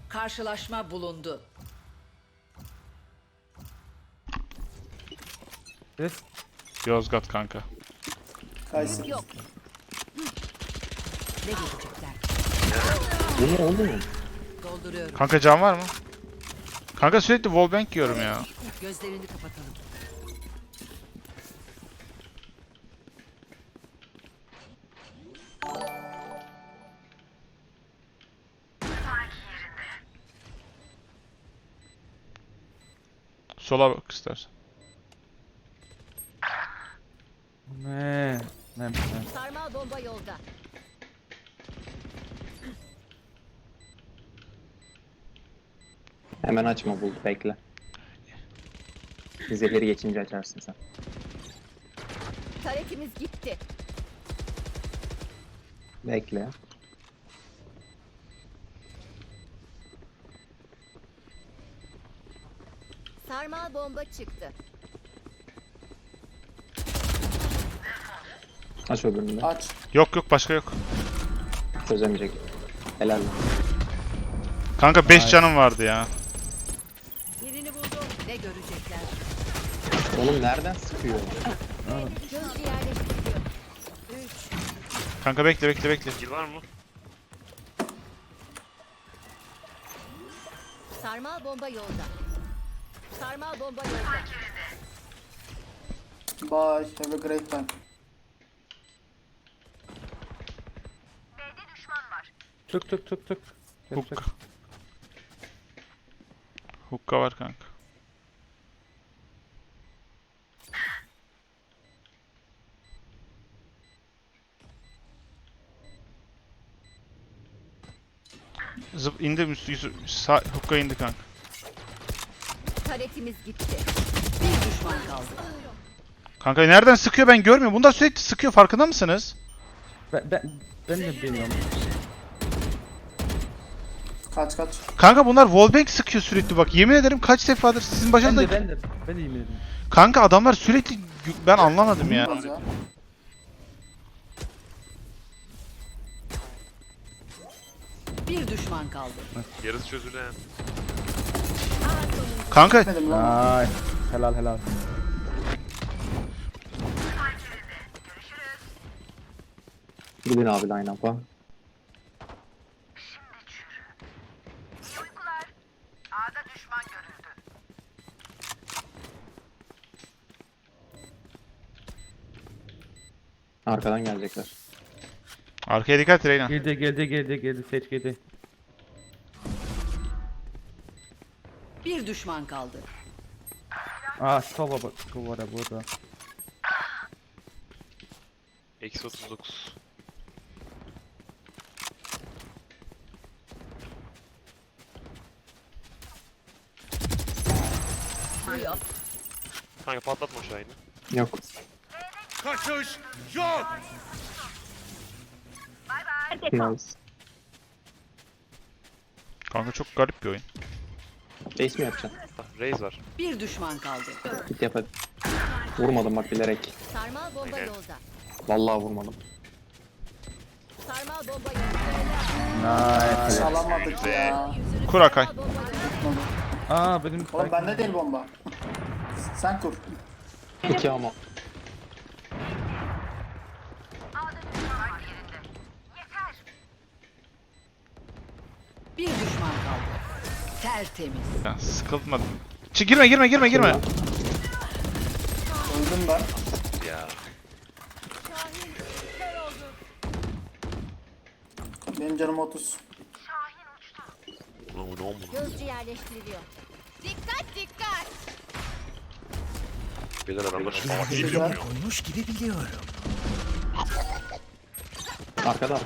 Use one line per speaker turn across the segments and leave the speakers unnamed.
Karşılaşma bulundu.
Yes.
Yozgat kanka.
Kayseri.
Yok. Ne görecekler?
Bu ne oğlum?
Dolduruyorum.
Kanka can var mı? Kanka sürekli wallbang yiyorum ya.
Gözlerini kapatalım.
Sola bak istersen.
Ne? Ne?
Sarmal bomba yolda.
Hemen açma bul, bekle. Dizeleri geçince açarsın sen.
Taretimiz gitti.
Bekle.
Sarmal bomba çıktı.
Aç öbürünü de.
Aç.
Yok yok başka yok.
Çözemeyecek. Helal lan.
Kanka 5 canım vardı ya.
Birini buldum. Ne görecekler?
Oğlum nereden sıkıyor?
Gözcü yerleştiriliyor. 3.
Kanka bekle bekle bekle.
Kill var mı?
Sarmal bomba yolda. Sarmal bomba yolda.
Bye. Have a great time.
Tık tık tık tık.
Hook. Hook'a var kanka. Zıp indi sağ hook'a indi kanka.
Taretimiz gitti. Bir düşman kaldı.
Kanka nereden sıkıyor ben görmüyorum. Bunlar sürekli sıkıyor farkında mısınız?
Ben de bilmiyorum.
Kaç kaç.
Kanka bunlar wallbang sıkıyor sürekli bak. Yemin ederim kaç defadır sizin başınızda...
Ben de yemin ederim.
Kanka adamlar sürekli... Ben anlamadım ya.
Olmaz ya.
Bir düşman kaldı.
Yarısı çözülen.
Kanka
Dedim lan.
Ay. Helal helal.
Gidin abi line up'a. Arkadan gelecekler.
arkaya dikkat Reyna.
Geldi seç geldi.
Bir düşman kaldı.
Aa sola bak. Duvara burada.
Eksi 39.
Duyuyor.
Kanka patlatma Şahin'i.
Yok. Nice.
Kanka çok garip bir oyun.
Ace mi yapacaksın?
Raze var.
Bir düşman kaldı.
Git yap hadi. Vurmadım bak bilerek.
Sarmal bomba
Aynen.
yolda.
Vallahi vurmadım.
Sarmal bomba yolda.
Nice.
Alamadık ya.
Kur Akay.
Sarmal bomba yolda.
Aa benim
Oğlum bende değil bomba. Sen kur.
2 ama.
Bir düşman kaldı. Tertemiz.
Ya, sıkılmadım. Girme.
Öldüm ben.
Ya.
Benim canım 30.
Ulan bu ne oldu?
Gözcü yerleştiriliyor. Dikkat dikkat.
Beyler adamlar şu an
Güzel.
Arkada.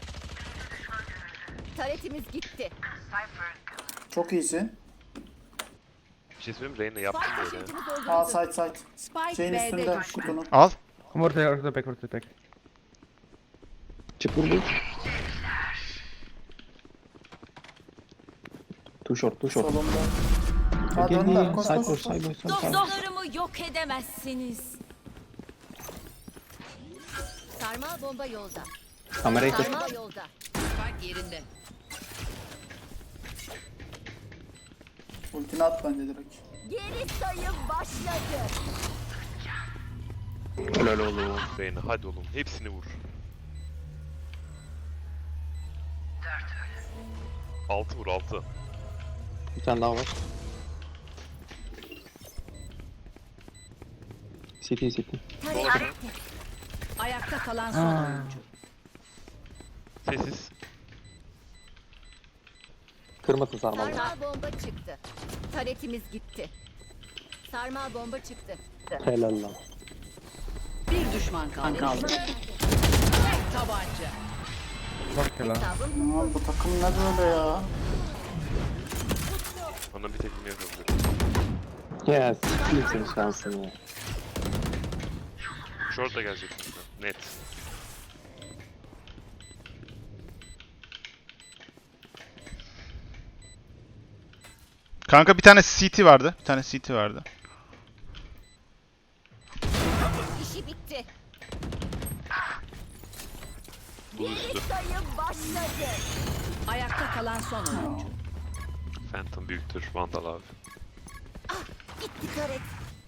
Taretimiz gitti.
Çok iyisin.
bir şey söyleyeyim mi? Reyna yaptım
Spike
böyle.
taşıyıcımız öldürüldü.
Aa side.
Spike
Şeyin
B'de
üstünde
düştü.
kutunun.
Al.
Ortaya bek.
Çık vur. Too short.
Solunda. Ha döndüler. Koş.
Dostlarımı yok edemezsiniz. Sarmal bomba yolda.
Kamerayı tut.
Sarmal yolda. Spike yerinde.
Ultini at bence direkt.
Geri sayım başladı.
Helal oğlum.
Reyna hadi oğlum hepsini vur. 6 vur 6.
Bir tane daha var. City.
Tarek. Ayakta kalan son oyuncu.
Sessiz.
Kırmızı sarmalı.
Sarmal bomba çıktı. Taretimiz gitti. Sarmal bomba çıktı.
Helal lan.
Bir düşman kaldı. Tek tabanca.
Bak ya lan.
Hesabım
Aman bu takım ne böyle ya?
Bana bir tekme yapabilirim.
Ya siktir senin şansın ya.
Short da gelecek kanka. Net.
Kanka bir tane CT vardı. Bir tane CT vardı.
işi bitti.
Bu üstü.
Sayım başladı. Ayakta kalan son oyuncu.
Phantom büyüktür. Vandal abi.
Gitti Taret.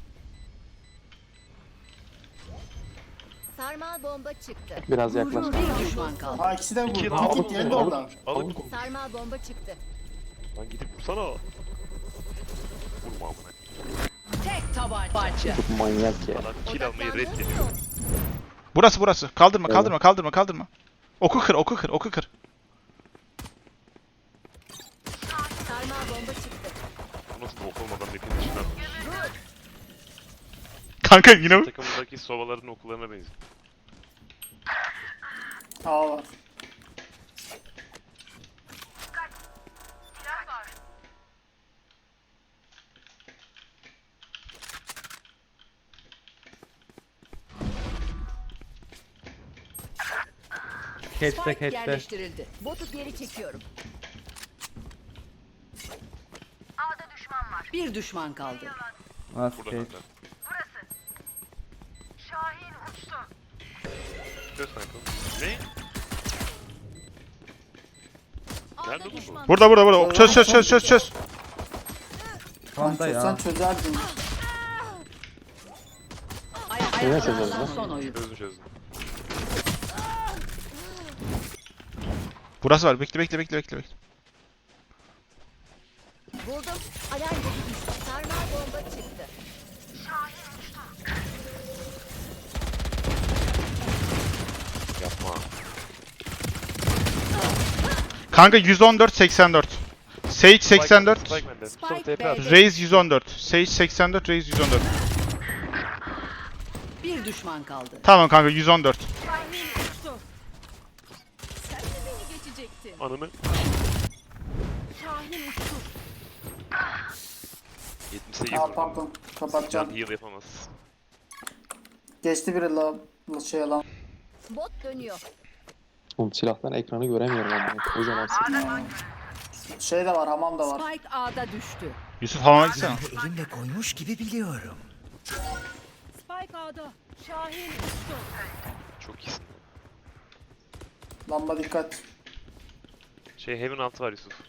Sarmal bomba çıktı.
Biraz yaklaş.
Bir düşman kaldı.
Ha ikisi de vurdu.
İki,
Git geldi orada.
Alın.
Sarmal bomba çıktı.
Lan gidip vursana. Vurma amına.
Tek tabanca.
Çok manyak ya.
Adam kill almayı reddediyor.
Burası. Kaldırma,
Evet.
kaldırma. Oku kır.
Sarmal bomba çıktı.
Bu nasıl bok olmadan bir finish lan.
Kanka yine
Takımındaki sovaların okullarına benziyor.
A var.
Catch'te.
Yerleştirildi. Botu geri çekiyorum. Bir düşman kaldı.
Nasıl
Burada
catch?
kanka. Göz kanka. Ne? Nerede bu?
burada. Çöz.
Panda
Sen
ya.
çözerdin.
Ayakta
Yine
kalan
çözeriz
son oyun.
Çözdüm.
Burası var. Bekle.
Buldum. Alarm botu düştü. Sarmal bomba çıktı.
Yapma.
Kanka 114 Sage 84.
Spike bende. Mustafa
Spike
TP at.
B'de.
Raze 114. Sage 84, Raze 114.
Bir düşman kaldı.
Tamam kanka 114.
Sen de beni geçecektin.
Ananı.
Şahin uçtu.
78
Aa
vurdum.
pardon.
Can
Kapatacağım.
heal yapamaz.
Geçti biri la şey lan.
Bot dönüyor.
Oğlum silahtan ekranı göremiyorum ama. Kocaman silah.
Şey de var, hamam da var.
Spike A'da düştü.
Yusuf hamama gitsene.
Elimle koymuş gibi biliyorum.
Spike A'da. Şahin uçtu.
Çok iyisin.
Lamba dikkat.
Heaven altı var Yusuf.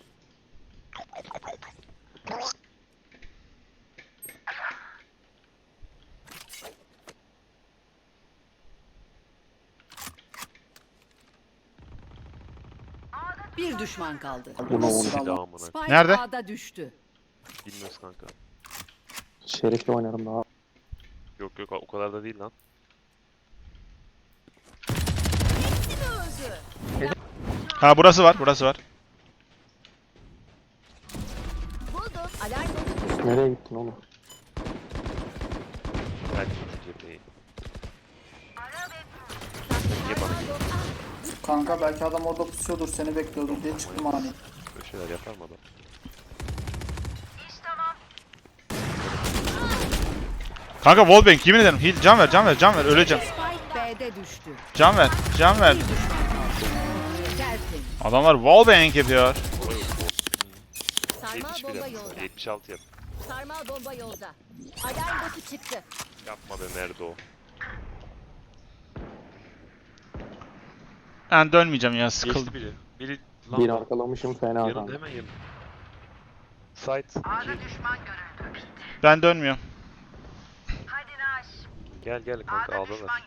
Bir düşman kaldı.
Bunu oğlum.
Silah amına.
Spike
Nerede?
A'da düştü.
Bilmiyoruz kanka.
Şerif'le oynarım daha.
Yok o kadar da değil lan.
Ha burası var.
Buldum. Alarm botu düştü.
Nereye gittin oğlum?
Belki şu cepheyi.
Sarmal bomba.
Kanka belki adam orada pusuyordur, seni bekliyordur diye çıktım hani.
Böyle şeyler yapar mı adam?
Kanka wallbang yemin ederim. Heal, can ver. Öleceğim.
Spike B'de düştü.
Can ver.
Bir düşman kaldı. Tertemiz.
Adamlar wallbang yapıyor.
Sarmal
71
bomba
yap.
yolda.
76 yap.
Sarmal bomba yolda. Alarm botu çıktı.
Yapma be nerede o?
Ben dönmeyeceğim ya
Geçti
sıkıldım.
biri. Biri
Bir arkalamışım fena
yanında
kanka.
hemen yanında. Site 2.
Ben dönmüyorum.
Gel gel kanka ağdalar.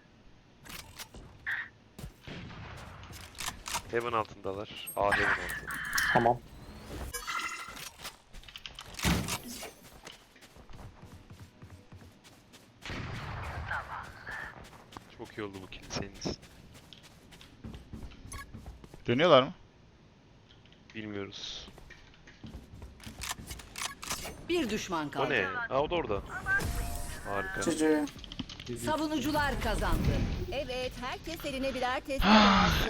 Heaven altındalar. A Heaven altı.
Tamam.
Çok iyi oldu bu kill senin için.
Dönüyorlar mı?
Bilmiyoruz.
Bir düşman kaldı.
O ne? Aa o da orada. Harika.
Cici.
Savunucular kazandı.
Evet, herkes eline birer test alsın.